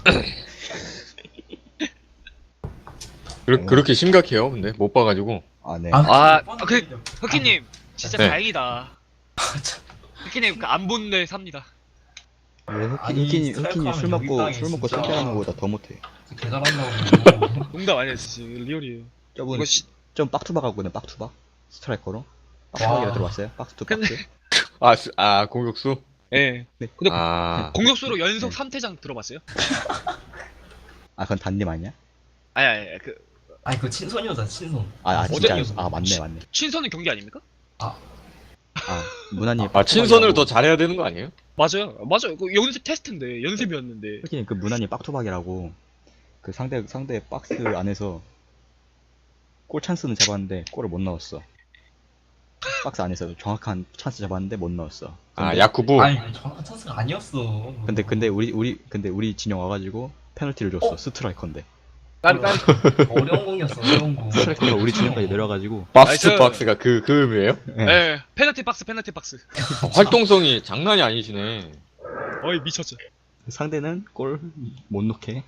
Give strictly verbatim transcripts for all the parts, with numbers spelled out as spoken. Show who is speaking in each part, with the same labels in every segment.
Speaker 1: 그렇, 그렇게 심각해요? 근데 못 봐가지고.
Speaker 2: 아, 네.
Speaker 3: 아,
Speaker 4: 아,
Speaker 3: 뻔한
Speaker 4: 아, 그,
Speaker 3: 얘기죠.
Speaker 4: 흑희님, 진짜
Speaker 1: 네.
Speaker 4: 다행이다. 흑희님, 그 안 본 데 삽니다.
Speaker 2: 왜 흑희,
Speaker 3: 아니,
Speaker 2: 흑희님,
Speaker 3: 스트라이크
Speaker 2: 흑희님 술
Speaker 3: 하면
Speaker 2: 먹고,
Speaker 3: 여기
Speaker 2: 술 먹고
Speaker 3: 진짜.
Speaker 2: 쏠때하는 거보다 더 못해.
Speaker 3: 개 잘한다고.
Speaker 4: 농담 아니에요, 진짜. 리얼이에요.
Speaker 2: 저분,
Speaker 4: 이거 시,
Speaker 2: 좀 빡투박 하거든요, 빡투박? 스트라이커로? 빡투박이라
Speaker 3: 와.
Speaker 2: 들어봤어요? 빡투
Speaker 4: 근데-
Speaker 2: 박스?
Speaker 1: 아, 스- 아 공격수?
Speaker 4: 예.
Speaker 2: 네.
Speaker 4: 근데
Speaker 1: 아.
Speaker 4: 공격수로 연속
Speaker 2: 네.
Speaker 4: 삼 퇴장 들어봤어요?
Speaker 2: 아, 그건 단님 아니야?
Speaker 4: 아니, 아니, 아니, 그,
Speaker 3: 아니, 그 친선이었다, 친선.
Speaker 2: 아, 아
Speaker 4: 어제
Speaker 2: 진짜.
Speaker 4: 뉴스.
Speaker 2: 아, 맞네, 맞네.
Speaker 4: 친선은 경기 아닙니까?
Speaker 2: 아, 문화님.
Speaker 1: 아, 친선을 더 잘해야 되는 거 아니에요?
Speaker 4: 맞아요. 맞아요. 그 연습 테스트인데, 연습이었는데.
Speaker 2: 흑희님, 그 문화님 빡투박이라고, 그 상대, 상대 박스 안에서 골 찬스는 잡았는데, 골을 못 넣었어. 박스 안에서 정확한 찬스 잡았는데 못 넣었어.
Speaker 1: 아,
Speaker 2: 근데-
Speaker 1: 야쿠부.
Speaker 3: 아니, 정확한 찬스가 아니었어.
Speaker 2: 근데 근데 우리 우리 근데 우리 진영 와가지고 페널티를 줬어. 스트라이커인데.
Speaker 4: 까비, 까비.
Speaker 3: 어려운 공이었어, 어려운 공.
Speaker 2: 스트라이커가 우리 진영까지 내려가지고.
Speaker 1: 박스
Speaker 4: 나이스.
Speaker 1: 박스가 그, 그 의미예요?
Speaker 4: 예, 페널티 박스, 페널티 박스.
Speaker 1: 아, 활동성이 장난이 아니시네.
Speaker 4: 어이, 미쳤죠.
Speaker 2: 상대는 골 못 넣게.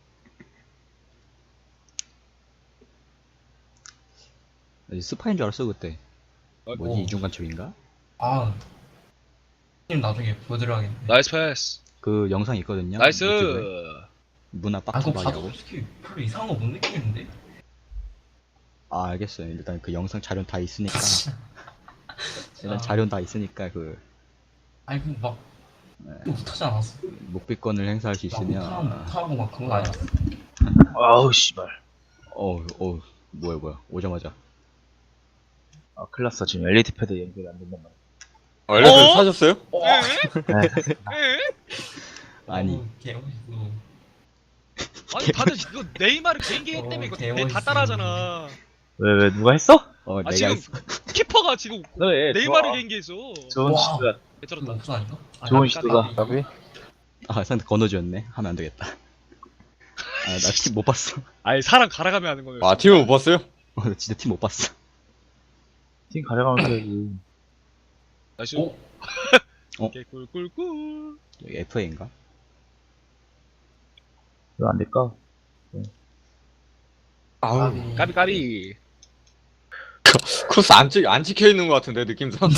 Speaker 2: 스파인 줄 알았어 그때. 뭐지
Speaker 3: 오.
Speaker 2: 이중간 첩인가?
Speaker 3: 아. 님 나중에 보여드려야겠네.
Speaker 4: 나이스 패스.
Speaker 2: 그 영상 있거든요.
Speaker 4: 나이스.
Speaker 2: 유튜브에. 문화
Speaker 3: 아, 그거 봐도
Speaker 2: 빡투박이라고.
Speaker 3: 솔직히 별로 이상한 거 못 느끼겠는데?
Speaker 2: 아 알겠어요. 일단 그 영상 자료 다 있으니까. 일단
Speaker 3: 아.
Speaker 2: 자료 다 있으니까 그
Speaker 3: 아니, 그 막, 못하지 않았어.
Speaker 2: 목비권을 행사할 수
Speaker 3: 막
Speaker 2: 있으면.
Speaker 3: 못하고, 못하고 막 그런 거 아니었어.
Speaker 5: 아우 씨발.
Speaker 2: 어우 어우 뭐야 뭐야 오자마자.
Speaker 5: 아 클났어 지금 엘이디 패드 연결이 안 된단 말이야.
Speaker 1: 어, 엘리트
Speaker 4: 어?
Speaker 1: 사셨어요?
Speaker 4: 에?
Speaker 5: 네.
Speaker 4: 에?
Speaker 2: 아니
Speaker 3: 어, 개멋있어.
Speaker 4: 아니, 다들 이거 네이마르 개인기 했 때문에
Speaker 3: 어,
Speaker 4: 이거
Speaker 3: 개멋있어.
Speaker 4: 다 따라하잖아.
Speaker 5: 왜 왜 누가 했어?
Speaker 2: 어
Speaker 4: 아,
Speaker 2: 내가
Speaker 4: 지금
Speaker 2: 했어.
Speaker 4: 키퍼가 지금
Speaker 5: 그래.
Speaker 4: 네이마르
Speaker 5: 좋아.
Speaker 4: 개인기 했어.
Speaker 5: 좋은
Speaker 3: 와.
Speaker 5: 시도야.
Speaker 3: 이거
Speaker 4: 개쩔었다.
Speaker 3: 없어 아닌가? 아,
Speaker 5: 좋은
Speaker 3: 까비,
Speaker 5: 시도다.
Speaker 3: 까비.
Speaker 2: 아 상대 건너지였네. 하면 안 되겠다. 아나 팀 못 봤어.
Speaker 4: 아니, 사람 갈아가며 하는 거예요.
Speaker 1: 아, 팀을 못 봤어요?
Speaker 2: 어, 나 진짜 팀 못 봤어.
Speaker 5: 팀 가져가면서 해야지.
Speaker 4: 나이스.
Speaker 3: 오.
Speaker 2: 어?
Speaker 4: 개꿀꿀꿀.
Speaker 2: 여기 에프에이인가?
Speaker 5: 왜 안 될까?
Speaker 1: 아우.
Speaker 4: 까비, 까비.
Speaker 1: 크로스 안 찍, 안 찍혀 있는 것 같은데, 느낌상.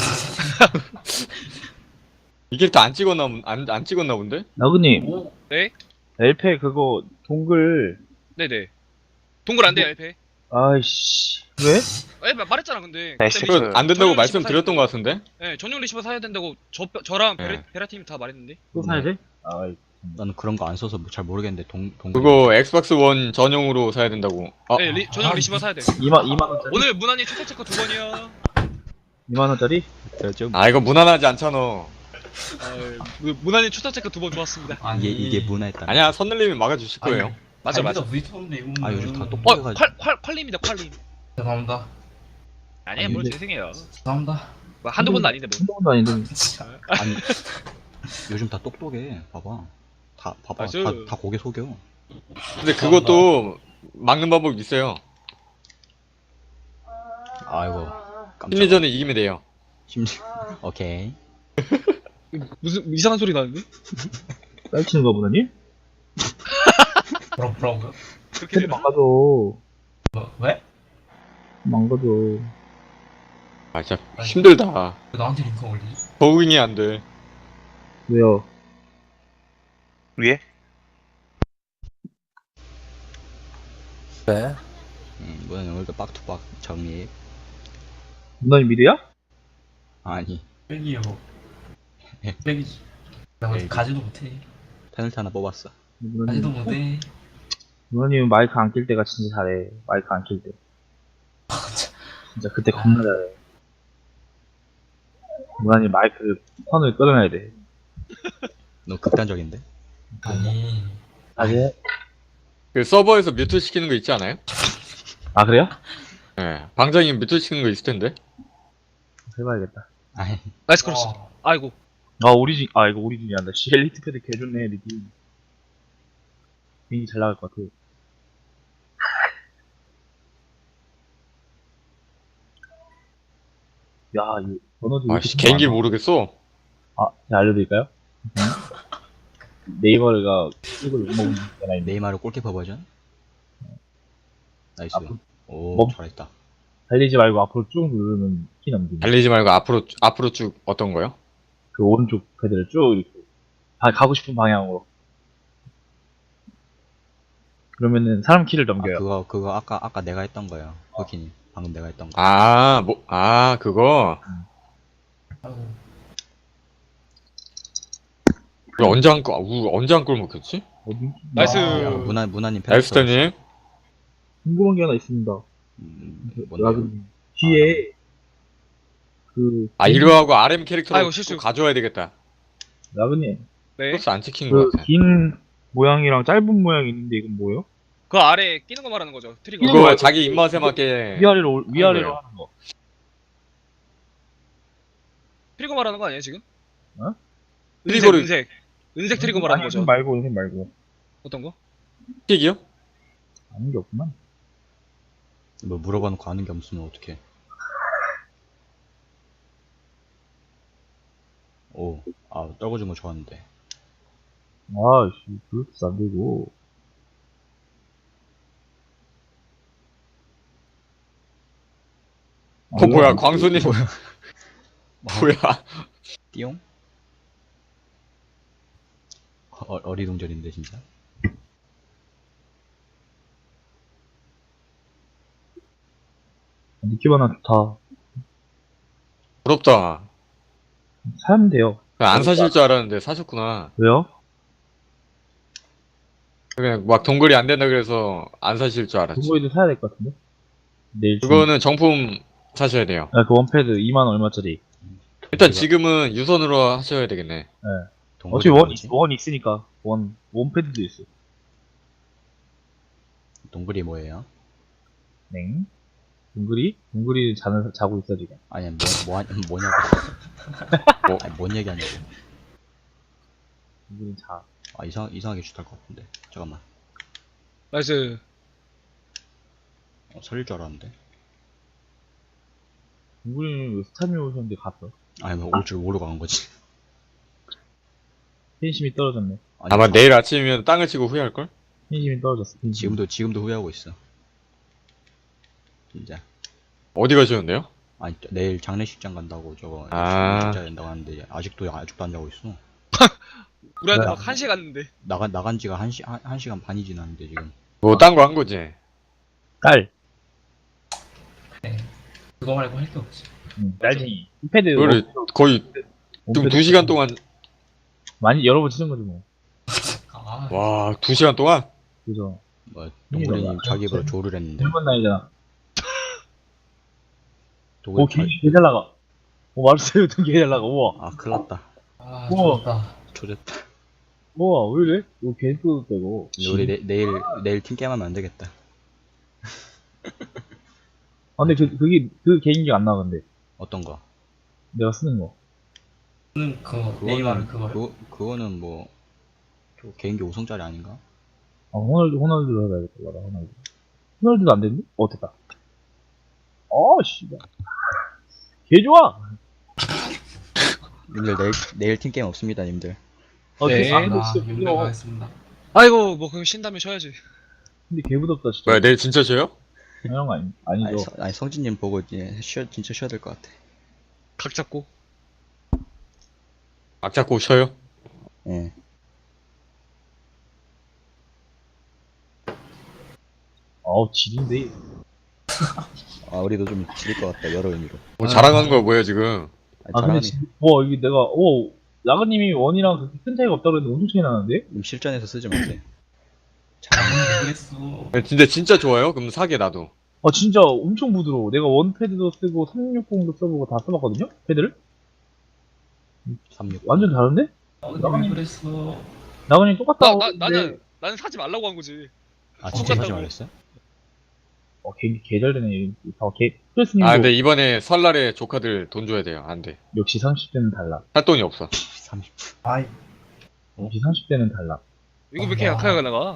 Speaker 1: 이 캐릭터 안 찍었나, 본- 안, 안 찍었나 본데?
Speaker 5: 나그님
Speaker 3: 오.
Speaker 4: 네?
Speaker 5: 엘페 그거 동글.
Speaker 4: 네네. 동굴 안 돼요, 엘페.
Speaker 5: 아이씨 왜?
Speaker 4: 에, 말했잖아, 근데.
Speaker 5: 나이스.
Speaker 4: 그때
Speaker 1: 그거 안 된다고
Speaker 4: 전용
Speaker 1: 말씀드렸던 것
Speaker 4: 리시버 사야
Speaker 1: 같은데?
Speaker 4: 네, 전용 리시버 사야 된다고 저, 저랑 베라,
Speaker 1: 네.
Speaker 4: 베라팀이 다 말했는데.
Speaker 5: 또 사야 돼? 아이
Speaker 2: 나는 그런 거 안 써서 뭐 잘 모르겠는데 동 동.
Speaker 1: 그거 엑스박스 원 전용으로 사야 된다고. 아,
Speaker 4: 네, 리, 전용
Speaker 3: 아,
Speaker 4: 리시버 사야 돼.
Speaker 5: 이만 이만 원짜리.
Speaker 4: 오늘 문안이 초대 체크 두 번이요.
Speaker 5: 이만 원짜리?
Speaker 2: 좀
Speaker 1: 아, 이거 무난하지 않잖아.
Speaker 4: 아, 문안이 초대 체크 두 번 좋았습니다.
Speaker 3: 아니,
Speaker 2: 이게 이게 문화였다.
Speaker 1: 아니야, 선늘님이 막아주실
Speaker 3: 아니,
Speaker 1: 거예요.
Speaker 4: 맞아, 맞아.
Speaker 3: 부딪혔는데 이거.
Speaker 2: 아, 요즘 다
Speaker 4: 어,
Speaker 2: 똑똑해가지고.
Speaker 4: 콸, 콸, 콸림이다, 콸림.
Speaker 3: 죄송합니다.
Speaker 4: 아니야,
Speaker 5: 아니,
Speaker 4: 뭘
Speaker 5: 근데-
Speaker 4: 죄송해요.
Speaker 3: 죄송합니다.
Speaker 4: 뭐 한두 번도 아닌데, 뭐.
Speaker 5: 한두 번도 아닌데.
Speaker 2: 아니 요즘 다 똑똑해. 봐봐. 다 봐봐.
Speaker 4: 맞아.
Speaker 2: 다, 다 고개 속여.
Speaker 1: 근데 그것도 막는 방법이 있어요.
Speaker 2: 아이고. 깜짝.
Speaker 1: 심리전에 이기면 돼요.
Speaker 2: 심리. 오케이.
Speaker 4: 무슨 이상한 소리 나는데?
Speaker 5: 딸치는 거 보다니?
Speaker 3: 뭐라, 뭐라고요?
Speaker 4: 그렇게
Speaker 5: 패드
Speaker 4: 되나?
Speaker 5: 망가져.
Speaker 3: 뭐, 왜?
Speaker 5: 망가져.
Speaker 1: 아, 진짜 힘들다.
Speaker 3: 왜 나한테 링크 올리지?
Speaker 1: 적응이 안 돼.
Speaker 5: 왜요?
Speaker 6: 위에? 네.
Speaker 2: 음, 뭐야 오늘도 빡투박 정리.
Speaker 5: 누나님 미드야?
Speaker 2: 아니
Speaker 3: 빼기요. 빼기지. 나
Speaker 2: 빼기.
Speaker 3: 가지도 못해.
Speaker 2: 페널티 하나 뽑았어.
Speaker 3: 가지도
Speaker 5: 누나님,
Speaker 3: 못해.
Speaker 5: 누나님 마이크 안 낄 때가 진짜 잘해. 마이크 안 낄 때. 진짜 그때 겁나 잘해. 누나님 마이크 선을 끌어내야 돼.
Speaker 2: 너무 극단적인데?
Speaker 3: 아니.
Speaker 5: 아재?
Speaker 1: 그 서버에서 뮤트 시키는 거 있지 않아요?
Speaker 5: 아 그래요?
Speaker 1: 예. 방장이 뮤트 시키는 거 있을 텐데.
Speaker 5: 해봐야겠다.
Speaker 2: 아이
Speaker 4: 나이스 크로스.
Speaker 3: 와.
Speaker 4: 아이고.
Speaker 5: 아 오리진 아 이거 오리진이 한다. 씨 엘리트 패드 개좋네 리디. 괜히 잘 나갈 것 같아. 야, 이 번호도
Speaker 1: 아, 씨, 개인기 모르겠어.
Speaker 5: 아, 제가 알려드릴까요? 네이버가 이걸 못 먹는 거잖아요.
Speaker 2: 네이마르 골키퍼 버전? 나이스.
Speaker 5: 앞으로-
Speaker 2: 오,
Speaker 5: 멈-
Speaker 2: 잘했다.
Speaker 5: 달리지 말고 앞으로 쭉 누르면 키 넘기기.
Speaker 1: 달리지 말고 앞으로 앞으로 쭉 어떤 거요?
Speaker 5: 그 오른쪽 패드를 쭉 이렇게 다 가고 싶은 방향으로. 그러면은 사람 키를
Speaker 2: 아,
Speaker 5: 넘겨요.
Speaker 2: 그거, 그거 아까, 아까 내가 했던 거예요. 호키님. 방금 내가 했던 거.
Speaker 1: 아, 뭐, 아, 그거.
Speaker 3: 아이고.
Speaker 1: 왜 언제 한 골, 우, 언제 한 골 먹혔지?
Speaker 5: 어디?
Speaker 4: 나이스.
Speaker 5: 아,
Speaker 2: 야, 문화, 문화님
Speaker 1: 앨스터님.
Speaker 5: 궁금한 게 하나 있습니다.
Speaker 2: 음,
Speaker 5: 그
Speaker 2: 뭔데요?
Speaker 5: 라그님. 뒤에 그
Speaker 1: 아, 이거 하고 아르엠 캐릭터로
Speaker 4: 아이고, 실수.
Speaker 1: 또 가져와야 되겠다.
Speaker 5: 라그님
Speaker 4: 네.
Speaker 1: 플러스 안 찍힌 것
Speaker 5: 그
Speaker 1: 같아.
Speaker 5: 긴 모양이랑 짧은 모양이 있는데 이건 뭐예요?
Speaker 4: 그 아래 끼는 거 말하는 거죠. 트리거.
Speaker 5: 이거
Speaker 1: 그거
Speaker 5: 말고
Speaker 1: 자기 입맛에 맞게.
Speaker 5: 위아래로 올- 위아래로
Speaker 1: 거예요.
Speaker 5: 하는 거.
Speaker 4: 트리거 말하는 거 아니에요 지금?
Speaker 5: 어?
Speaker 4: 은색,
Speaker 1: 트리거를-
Speaker 4: 은색. 은색 트리거 말하는
Speaker 5: 아니,
Speaker 4: 거죠.
Speaker 5: 은색 말고 은색 말고
Speaker 4: 어떤 거?
Speaker 1: 픽이요?
Speaker 5: 아닌 게 없구만.
Speaker 2: 뭐 물어봐 놓고 아는 게 없으면 어떡해. 오, 아, 떨궈준 거 좋았는데.
Speaker 5: 아씨 블루투스 안 되고.
Speaker 1: 어, 뭐야, 광수님. 뭐야.
Speaker 2: 띠용? 어, 어리둥절인데, 진짜.
Speaker 5: 니키바나 좋다.
Speaker 1: 부럽다.
Speaker 5: 사면 돼요.
Speaker 1: 그냥 안 사실 줄 알았는데 사셨구나.
Speaker 5: 왜요?
Speaker 1: 그냥 막 동글이 안 된다 그래서 안 사실 줄 알았지.
Speaker 5: 그거에도 사야 될 것 같은데? 내일 중-
Speaker 1: 그거는 정품 사셔야 돼요.
Speaker 5: 아, 그 원패드 이만 얼마짜리.
Speaker 1: 일단 지금은 유선으로 하셔야 되겠네.
Speaker 2: 동굴이
Speaker 5: 어차피 원,
Speaker 2: 뭐지?
Speaker 5: 있, 원 있으니까. 원, 원패드도 있어.
Speaker 2: 동굴이 뭐예요?
Speaker 5: 네. 동글이? 동글이 자는, 자고 있어, 지금.
Speaker 2: 아니, 뭐, 뭐, 하- 뭐냐고.
Speaker 1: 뭐?
Speaker 2: 아니, 뭔 얘기하냐고.
Speaker 5: 동글이 자.
Speaker 2: 아, 이상, 이상하게 슛할 것 같은데. 잠깐만.
Speaker 4: 나이스.
Speaker 2: 어, 살릴 줄 알았는데.
Speaker 5: 동글이는 왜 스타미 오셨는데 갔어?
Speaker 2: 아니, 뭐, 올 줄 모르고 간 거지.
Speaker 5: 팬심이 떨어졌네.
Speaker 2: 아니,
Speaker 1: 아마
Speaker 2: 자-
Speaker 1: 내일 아침이면 땅을 치고 후회할걸?
Speaker 5: 팬심이 떨어졌어, 팬심.
Speaker 2: 지금도, 지금도 후회하고 있어. 진짜.
Speaker 1: 어디 가셨는데요?
Speaker 2: 아니, 저- 내일 장례식장 간다고 저거.
Speaker 1: 아.
Speaker 2: 진짜 된다고 하는데, 아직도, 아직도 안 자고 있어.
Speaker 4: 우리한테
Speaker 5: 네.
Speaker 4: 막 한 시에 갔는데.
Speaker 2: 나가, 나간 지가 한 시, 한, 한 시간 반이 지났는데, 지금.
Speaker 1: 뭐 딴 거 한 거지.
Speaker 5: 딸.
Speaker 3: 그거 말고 할 게 없지.
Speaker 5: 응, 딸쟁이. 패드.
Speaker 1: 그거를 거의 지금 두 시간 동안,
Speaker 5: 많이 여러 번 치는 거지, 뭐.
Speaker 3: 아,
Speaker 1: 와, 두 시간 동안?
Speaker 5: 그죠.
Speaker 2: 뭐, 동굴이님
Speaker 5: 나-
Speaker 2: 자기 입으로 조를 했는데.
Speaker 5: 일본 나이잖아.
Speaker 2: 동굴
Speaker 5: 오, 개, 개 잘 나가. 오, 마르세유 등개 잘 나가. 우와.
Speaker 2: 아, 큰일 났다.
Speaker 3: 아,
Speaker 5: 우와.
Speaker 3: 좋다.
Speaker 2: 조졌다.
Speaker 5: 우와, 왜 이래? 오, 개 뜯었다, 이거.
Speaker 2: 근데 우리 내, 내일, 내일 팀게임 하면 안 되겠다.
Speaker 5: 아, 근데 그, 그게, 그 개인기 안 나가는데.
Speaker 2: 어떤 거?
Speaker 5: 내가 쓰는 거.
Speaker 3: 는 그 네이마르 그거.
Speaker 2: 그거, 그거는 뭐, 저 개인기 오 성짜리 아닌가?
Speaker 5: 아, 호날두, 호날두로 해봐야겠다, 나라, 호날두. 호날두도 안 됐니? 어, 됐다. 어, 씨발. 개 좋아!
Speaker 2: 님들 내일, 내일 팀게임 없습니다, 님들.
Speaker 5: 어,
Speaker 4: 네.
Speaker 5: 개, 아, 근데
Speaker 3: 아,
Speaker 5: 진짜
Speaker 3: 윤배
Speaker 5: 부드러워.
Speaker 3: 가겠습니다.
Speaker 4: 아이고 뭐 그럼 쉰 다음에 쉬어야지.
Speaker 5: 근데 개 부럽다, 진짜.
Speaker 1: 뭐야, 내일 진짜 쉬어요?
Speaker 5: 당연한 거 아니,
Speaker 2: 아니,
Speaker 5: 아니죠.
Speaker 2: 서, 아니 성진님 보고 이제 쉬어, 진짜 쉬어야 될 것 같아.
Speaker 4: 각 잡고.
Speaker 1: 악 잡고 쉬어요?
Speaker 2: 예.
Speaker 5: 어우, 지린데.
Speaker 2: 아, 우리도 좀 지릴 것 같다, 여러 의미로.
Speaker 1: 뭐 자랑하는 거야, 뭐야, 지금.
Speaker 2: 아니,
Speaker 5: 아, 근데
Speaker 2: 잘하네.
Speaker 5: 지, 와, 이게 내가, 오, 라그님이 원이랑 그렇게 큰 차이가 없다고 했는데 엄청 차이 나는데?
Speaker 2: 님 실전에서 쓰지 마세요.
Speaker 3: 모르겠어.
Speaker 1: 근데 진짜 좋아요? 그럼 사게, 나도.
Speaker 5: 아, 진짜 엄청 부드러워. 내가 원패드도 쓰고 삼육공도 써보고 다 써봤거든요? 패드를?
Speaker 2: 삼육.
Speaker 5: 완전 다른데?
Speaker 3: 어, 근데 왜 그랬어?
Speaker 5: 나그님 똑같다.
Speaker 4: 나, 나 나는 나는 사지 말라고 한 거지.
Speaker 2: 아, 진짜 하지
Speaker 4: 똑같다고.
Speaker 2: 말랬어요?
Speaker 5: 어, 개, 개잘 되네. 다 개, 프레스님도
Speaker 1: 아, 근데 이번에 설날에 조카들 돈 줘야 돼요. 안 돼.
Speaker 5: 역시 삼십 대는 달라.
Speaker 1: 할 돈이 없어.
Speaker 2: 삼십.
Speaker 3: 아이,
Speaker 5: 역시 삼십 대는 달라.
Speaker 4: 이거 왜 이렇게
Speaker 3: 와.
Speaker 4: 약하게 나가?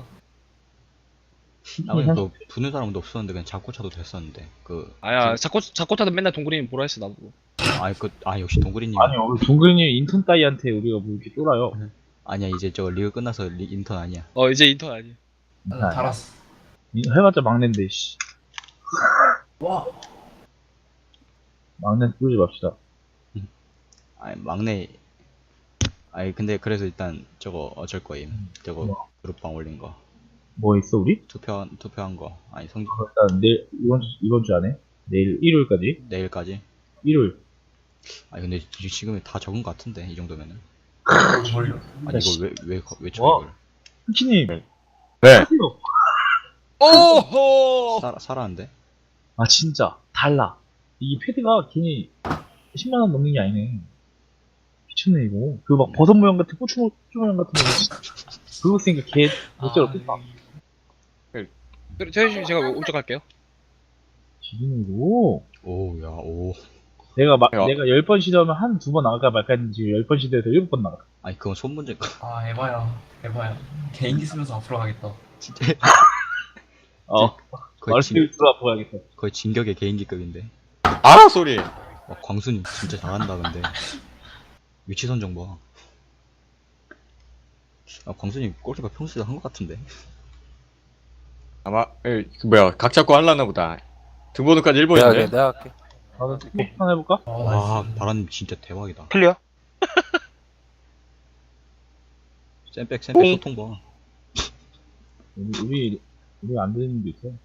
Speaker 2: 아, 그냥 그, 부는 사람도 없었는데, 그냥 잡고 차도 됐었는데. 그,
Speaker 4: 아야 자꾸 자꾸 타도 맨날 동그리님 보라 했어 나보고.
Speaker 2: 아, 그, 아, 역시 동그리님.
Speaker 5: 아니요, 우리 동근이 인턴 따이한테 우리가 뭐 이렇게 쫄아요.
Speaker 2: 아니야 이제 저 리그 끝나서 리, 인턴 아니야.
Speaker 4: 어 이제 인턴 아니.
Speaker 3: 나 달았어.
Speaker 5: 이- 해봤자 막내인데, 씨.
Speaker 3: 와.
Speaker 5: 막내 꾸지 맙시다.
Speaker 2: 아니 막내. 아니 근데 그래서 일단 저거 어쩔 거임. 저거
Speaker 5: 뭐?
Speaker 2: 그룹방 올린 거.
Speaker 5: 뭐 있어, 우리?
Speaker 2: 투표 투표한 거. 아니 성
Speaker 5: 어, 일단 내일, 이번 주, 이번 주 안에? 내일, 일요일까지?
Speaker 2: 내일까지.
Speaker 5: 일요일.
Speaker 2: 아니 근데 지- 지금 다 적은 거 같은데 이 정도면은.
Speaker 3: 뭘요?
Speaker 2: 아니 이걸 왜왜 왜 쳐
Speaker 5: 와.
Speaker 2: 이걸.
Speaker 5: 후키님,
Speaker 1: 네.
Speaker 5: 하세요.
Speaker 1: 오호!
Speaker 2: 살아 살아는데.
Speaker 5: 아, 진짜. 달라. 이 패드가 괜히 십만 원 넘는 게 아니네. 미쳤네, 이거. 그 막 버섯 모양 같은, 고추, 모- 고추 모양 같은 거. 그거 쓰니까 개, 어쩔 없겠다.
Speaker 4: 그래 저희 제가 울적할게요.
Speaker 5: 지금 이거.
Speaker 2: 오야 오.
Speaker 5: 내가 막,
Speaker 1: 야.
Speaker 5: 내가 열 번 시도하면 한 두 번 나갈까 말까 했는데 지금 열 번 시도해서 일곱 번 나가.
Speaker 2: 아니 그건 손 문제가.
Speaker 3: 아 에바야. 에바야. 개인기 쓰면서 앞으로 가겠다.
Speaker 2: 진짜
Speaker 5: 어.
Speaker 2: 거의 진,
Speaker 5: 말씀을 들어 보야겠어.
Speaker 2: 거의 진격의 개인기급인데.
Speaker 1: 아, 소리!
Speaker 2: 와, 광순이 진짜 잘한다 근데. 위치 선정 봐. 아 광순이 골키퍼 평소에 한 것 같은데.
Speaker 1: 아마, 에, 그 뭐야, 각 잡고 할라나 보다. 등번호까지 일
Speaker 7: 내가 할게,
Speaker 1: 번인데?
Speaker 7: 내가 할게.
Speaker 5: 나도 스포츠 하나 해볼까?
Speaker 3: 아,
Speaker 2: 와
Speaker 3: 나이스.
Speaker 2: 바라님 진짜 대박이다.
Speaker 6: 클리어?
Speaker 2: 쌤백 쌤백 소통 봐.
Speaker 5: 우리, 우리, 우리 안 되는 게 있어.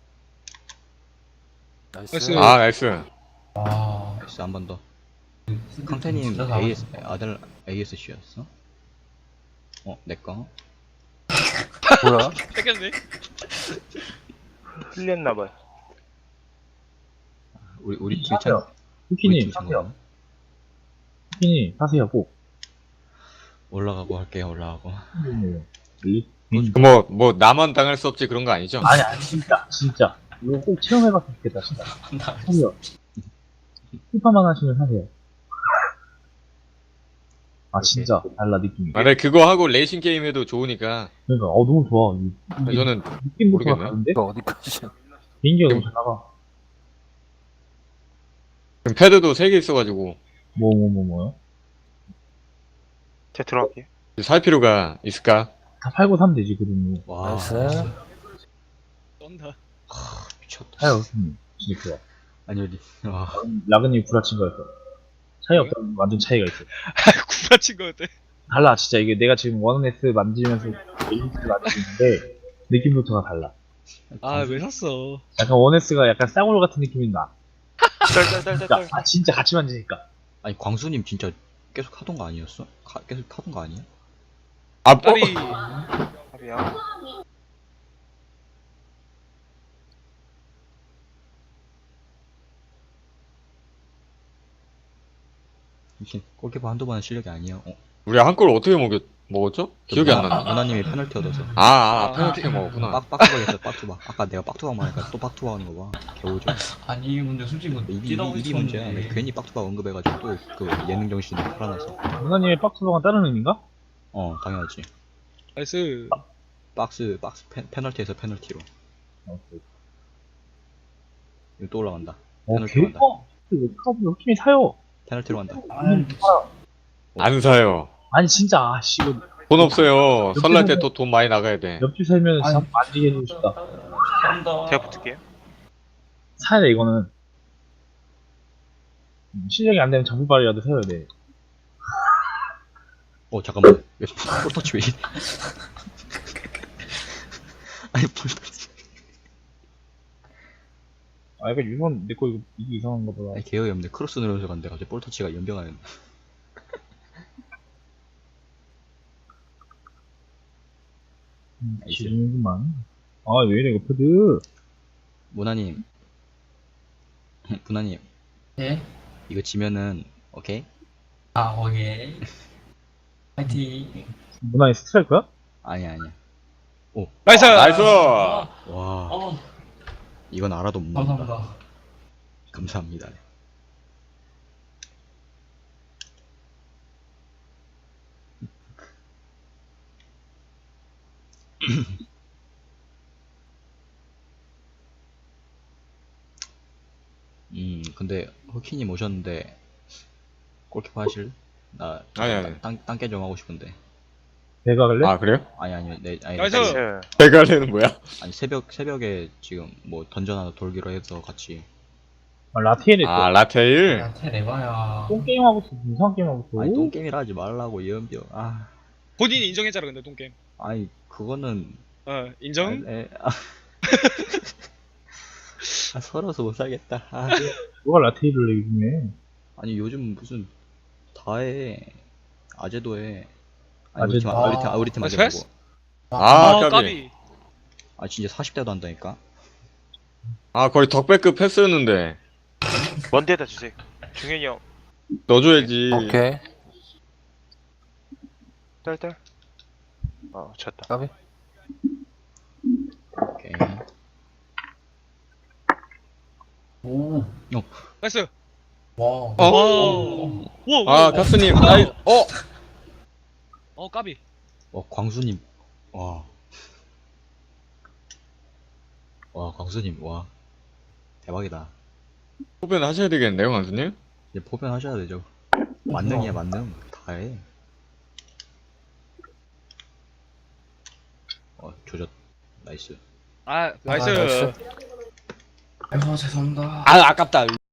Speaker 7: 나이스.
Speaker 4: 나이스.
Speaker 1: 아, 나이스.
Speaker 3: 아.
Speaker 2: 나이스 한 번 더.
Speaker 3: 진짜
Speaker 2: 강태님
Speaker 3: 잘하네.
Speaker 2: 에이에스 아들 에이에스씨였어? 어 내꺼?
Speaker 7: 뭐야?
Speaker 4: 뺏겼네.
Speaker 6: 틀렸나봐요.
Speaker 2: 우리 우리 팀 찬.
Speaker 5: 하세요.
Speaker 2: 우리
Speaker 5: 후키님,
Speaker 2: 팀 찬
Speaker 5: 하세요.
Speaker 2: 거야?
Speaker 5: 후키님, 하세요, 꼭.
Speaker 2: 올라가고 할게요 올라가고.
Speaker 5: 리-
Speaker 1: 그 뭐, 뭐, 나만 당할 수 없지 그런 거 아니죠?
Speaker 5: 아니, 아니, 진짜, 진짜. 이거 꼭 체험해봤으면 좋겠다, 진짜.
Speaker 3: 나
Speaker 5: 하세요. 피파만 하시면 하세요. 아, 진짜. 달라, 느낌이.
Speaker 1: 아, 네, 그거 하고 레이싱 게임 해도 좋으니까.
Speaker 5: 그러니까, 어, 너무 좋아. 이, 이
Speaker 1: 저는,
Speaker 5: 느낌부터가
Speaker 1: 모르겠네.
Speaker 5: 다른데?
Speaker 7: 이거 어디까지?
Speaker 5: 개인기가 너무 잘 나가.
Speaker 1: 지금 패드도 세 개 있어가지고,
Speaker 5: 뭐, 뭐, 뭐, 뭐요?
Speaker 6: 제가 들어갈게요.
Speaker 1: 살 필요가 있을까?
Speaker 5: 다 팔고 사면 되지, 그러면.
Speaker 2: 와
Speaker 7: 나이스.
Speaker 4: 떤다.
Speaker 2: 미쳤다.
Speaker 5: 차이 없으면. 진짜 좋아.
Speaker 2: 아니 어디 와
Speaker 5: 라그님 구라친 거였어. 차이 없다면 완전 차이가 있어.
Speaker 4: 구라친 거였대.
Speaker 5: 달라, 진짜. 이게 내가 지금 원에스 만지면서 에이스를 만지는데, 느낌부터가 달라.
Speaker 4: 아 왜 샀어?
Speaker 5: 약간 원에스가 약간 싸구려 같은 느낌이 나. 진짜,
Speaker 6: 짤짤짤짤.
Speaker 5: 아, 진짜 같이 만지니까.
Speaker 2: 아니 광수님 진짜 계속 하던 거 아니었어? 가, 계속 하던 거 아니야?
Speaker 1: 아, 어?
Speaker 4: 딸이
Speaker 6: 아비야.
Speaker 2: 미친 골키퍼 한두 번은 실력이 아니야. 어,
Speaker 1: 우리 한 골 어떻게 먹였, 먹었죠? 기억이 안 나네.
Speaker 2: 문화님이 페널티 얻어서.
Speaker 1: 아, 아, 페널티가 먹었구나.
Speaker 2: 빡 빡투박 했어 빡투박. 아까 내가 빡투박 말하니까 또 빡투박 하는 거 봐. 겨우죠.
Speaker 3: 아니 이게 문제 솔직히 뭐
Speaker 2: 입이
Speaker 3: 뛰다
Speaker 2: 입이 문제야. 내가 괜히 빡투박 언급해가지고 또 그 예능 정신이 살아나서.
Speaker 5: 누나님의 박스방은 다른 의미인가?
Speaker 2: 어 당연하지.
Speaker 4: 나이스.
Speaker 2: 박스 박스 페, 페널티에서 페널티로.
Speaker 5: 어,
Speaker 2: 이거 또 올라간다.
Speaker 5: 어,
Speaker 2: 페널티
Speaker 5: 개,
Speaker 2: 간다.
Speaker 5: 어, 그, 카드 팀이 사요.
Speaker 2: 페널티로 간다.
Speaker 5: 아니,
Speaker 1: 안 사요.
Speaker 5: 아니, 진짜, 아, 씨, 이거,
Speaker 1: 돈 없어요. 설날 때 또 돈 많이 나가야 돼.
Speaker 5: 옆집 살면
Speaker 3: 아니.
Speaker 5: 진짜 만지게 해주고 싶다.
Speaker 3: 한다.
Speaker 6: 제가 붙을게요.
Speaker 5: 사야 돼, 이거는. 음, 실력이 안 되면 장비발이라도 사야 돼.
Speaker 2: 어 잠깐만. 왜 볼터치 왜 이래? 아니 볼터치.
Speaker 5: 아, 약간 유선, 내거 이거, 이게 이상한가 보다.
Speaker 2: 아니 개혁이 없네. 크로스 누르면서 갔는데 갑자기 볼터치가 연병하는.
Speaker 5: 음,
Speaker 2: 나이스.
Speaker 5: 지르는구만. 아, 왜 이래, 이거 패드.
Speaker 2: 문화님. 문화님.
Speaker 3: 예?
Speaker 2: 이거 지면은 오케이?
Speaker 3: 아 오케이. 파이팅.
Speaker 5: 문화의 스트라이크야?
Speaker 2: 아니야 아니야.
Speaker 4: 나이스.
Speaker 1: 나이스!
Speaker 3: 아,
Speaker 2: 와
Speaker 3: 어,
Speaker 2: 이건 알아도 못 먹는다.
Speaker 3: 감사합니다.
Speaker 2: 감사합니다. 음 근데 호키님 오셨는데 골키퍼 하실? 나
Speaker 1: 아니, 아니.
Speaker 2: 땅, 땅깨 좀 하고 싶은데.
Speaker 5: 내가 갈래?
Speaker 1: 아 그래요?
Speaker 2: 아니 아니 내 아니
Speaker 4: 나이스.
Speaker 2: 아니,
Speaker 6: 나이스.
Speaker 1: 대가리는 뭐야?
Speaker 2: 아니 새벽 새벽에 지금 뭐 던전 하나 돌기로 해서 같이.
Speaker 5: 아, 라티엘에
Speaker 1: 아
Speaker 5: 또
Speaker 1: 라테일.
Speaker 3: 야, 테레바야.
Speaker 5: 똥 게임 하고 있어. 이상한 게임 하고 있어.
Speaker 2: 아니 똥게임이라 하지 말라고 예은병. 아
Speaker 4: 본인이 인정했잖아 근데 똥게임.
Speaker 2: 아니 그거는
Speaker 4: 어 인정?
Speaker 2: 아, 에, 아. 아 서러워서 못 살겠다. 아.
Speaker 5: 누가 라티엘을 해 요즘에?
Speaker 2: 아니 요즘 무슨 다해 아재도 해. 아니 우리
Speaker 5: 아재도-
Speaker 2: 팀 아, 우리 팀 아, 우리 팀 아재
Speaker 4: 패스?
Speaker 2: 말고.
Speaker 1: 아
Speaker 4: 아
Speaker 1: 까비.
Speaker 4: 까비.
Speaker 2: 아 진짜 사십 대도 한다니까.
Speaker 1: 아 거의 덕배급 패스였는데
Speaker 6: 먼데다 주세요. 중현이 형.
Speaker 1: 넣어줘야지.
Speaker 7: 오케이.
Speaker 6: 딸딸. 어 쳤다.
Speaker 7: 까비.
Speaker 2: 오케이.
Speaker 3: 오.
Speaker 4: 나이스.
Speaker 3: 와.
Speaker 1: 어?
Speaker 4: 와. 와.
Speaker 1: 아 카스님. 나이. 어.
Speaker 4: 어 까비.
Speaker 2: 와 광수님. 와. 와 광수님 와 대박이다.
Speaker 1: 후배는 하셔야 되겠는데요, 강수님?
Speaker 2: 이제 포변 하셔야 되죠. 만능이야 만능 다 해. 어 조졌. 나이스.
Speaker 4: 아 나이스.
Speaker 7: 나이스.
Speaker 3: 아이고 죄송합니다.
Speaker 1: 아 아깝다.